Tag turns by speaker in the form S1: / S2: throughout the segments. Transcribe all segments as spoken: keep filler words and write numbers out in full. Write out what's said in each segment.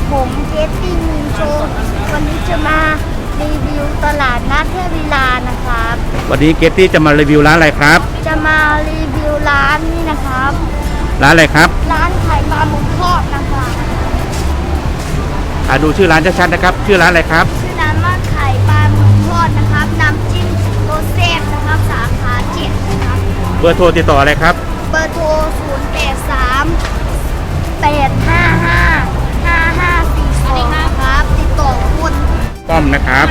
S1: ผมเกตตี้มีโชว์วันนี้จะมารีวิวตลาดนัดเทพวิลานะครับ
S2: วันนี้เกตตี้จะมารีวิวร้านอะไรครับ
S1: จะมารีวิวร้านนี้นะครับ
S2: ร้านอะไรครับ
S1: ร้านขายปลาหมึกทอดนะครับ
S2: อ่าดูชื่อร้านชัดๆนะครับชื่อร้านอะไรครับ
S1: ชื่อร้านว่าไข่ปลาหมึกทอดนะครับน้ำจิ้มโรเซ่นะครับสาขาเจ็ดนะครับ
S2: เบอร์โทรติดต่ออะไรครับ
S1: เบอร์โทรศูนย์แปดสามแปดห้าห้าห้าห้าสี่สองนะครับติดต่อคุณ
S2: ป้อมนะครับ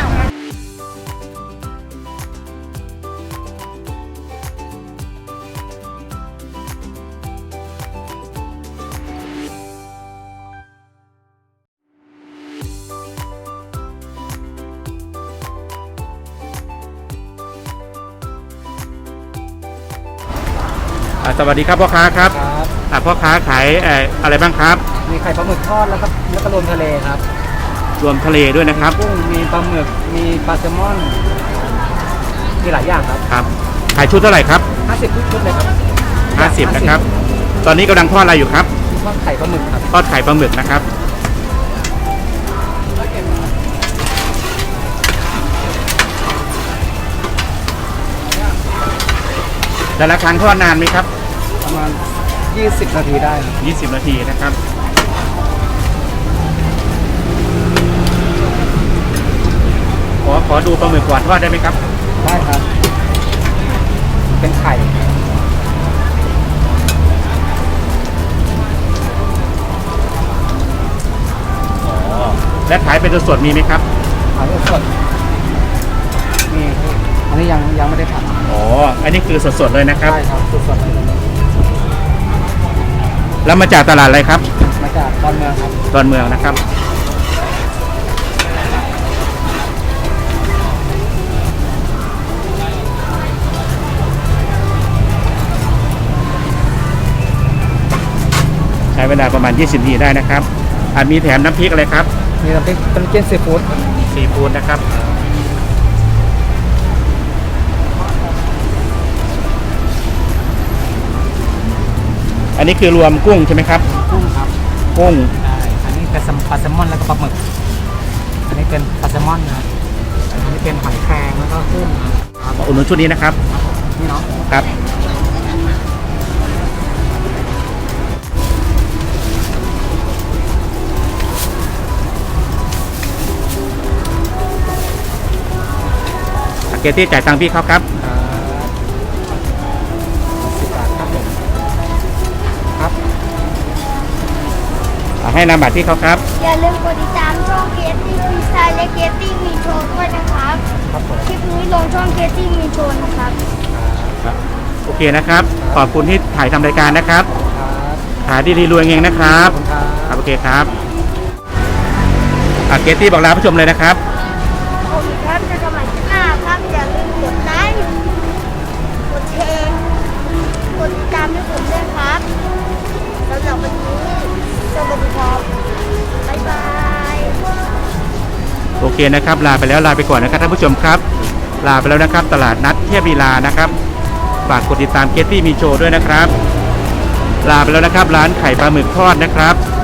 S2: สวัสดีครับพ่อค้าครับพ่อค้าขายอะไรบ้างครับ
S3: มีไข่ปลาหมึกทอดแล้วก็แล้วก็รวมทะเลครับ
S2: รวมทะเลด้วยนะครับ
S3: กุ้งมีปลาหมึกมีปลาแซลมอนมีหลายอย่างครับ
S2: ครับขายชุดเท่าไหร่ครับ
S3: ห้าสิบชุดเลยครับ
S2: ห้าสิบนะครับตอนนี้กำลังทอดอะไรอยู่ครับ
S3: ทอดไข่ปลาหมึกครับ
S2: ทอดไข่ปลาหมึกนะครับแต่ละครั้งทอดนานไหมครับ
S3: ประมาณยี่สิบนาทีได้
S2: ยี่สิบนาทีนะครับขอขอดูปลาหมึกก่อนทอดได้ไหมครับ
S3: ได้ครับเป็นไข่
S2: และขายเป็นสดๆมีไหมครับ
S3: ขายสดมีอันนี้ยังยังไม่ได้ผัด
S2: อ๋ออันนี้คือสดๆเลยนะครับ
S3: ใช่ครับสดๆ
S2: แล้วมาจากตลาดอะไรครับ
S3: มาจากดอนเมืองครับ
S2: ดอนเมืองนะครับใช้เวลาประมาณยี่สิบนาทีได้นะครับอาจมีแถมน้ำพริกอะไรครับ
S3: มีน้ำพริกเป็นเกี๊ยวซีฟู้ด
S2: ซีฟู้ดนะครับอันนี้คือรวมกุ้งใช่ไหมครับ
S3: กุ้งครับ
S2: กุ้ง
S3: อันนี้เป็นปลาแซลมอนแล้วก็ปลาหมึกอันนี้เป็นปลาแซลมอนนะอันนี้เป็นหอยแครงแล้วก็กุ้ง
S2: มาอุดหนุนชุดนี้นะครับ
S3: นี่เนาะ
S2: ครับเกตตี้จ่ายตังค์พี่เขาครับ
S3: สิบบาทครับผมครับ
S2: ให้นามบัตรที่เขาครับ
S1: อย่าลืมกดติดตามช่องเกตตี้มีสไตล์และเกตตี้มีโชว์ด้วยนะครับคลิปนี้ลงช่องเกตตี้มีโชว์นะครับ
S2: โอเคนะครับขอบคุณที่ถ่ายทำรายการนะครับขายดีๆรวยเองนะครับครับโอเคครับเกตตี้บอกลาผู้ชมเลยนะครับ
S1: โอเคครับจะกลับมาที่หน้าครับอย่าลืมกดไลค์กดแชร์กดติดตามให้ผมด้วยครับสำหรับวันนี้สวัสดีครับบ๊ายบาย
S2: โอเคนะครับลาไปแล้วลาไปก่อนนะครับท่านผู้ชมครับลาไปแล้วนะครับตลาดนัดเทพลีลานะครับฝากกดติดตามเกตตี้มีโชว์ด้วยนะครับลาไปแล้วนะครับร้านไข่ปลาหมึกทอดนะครับ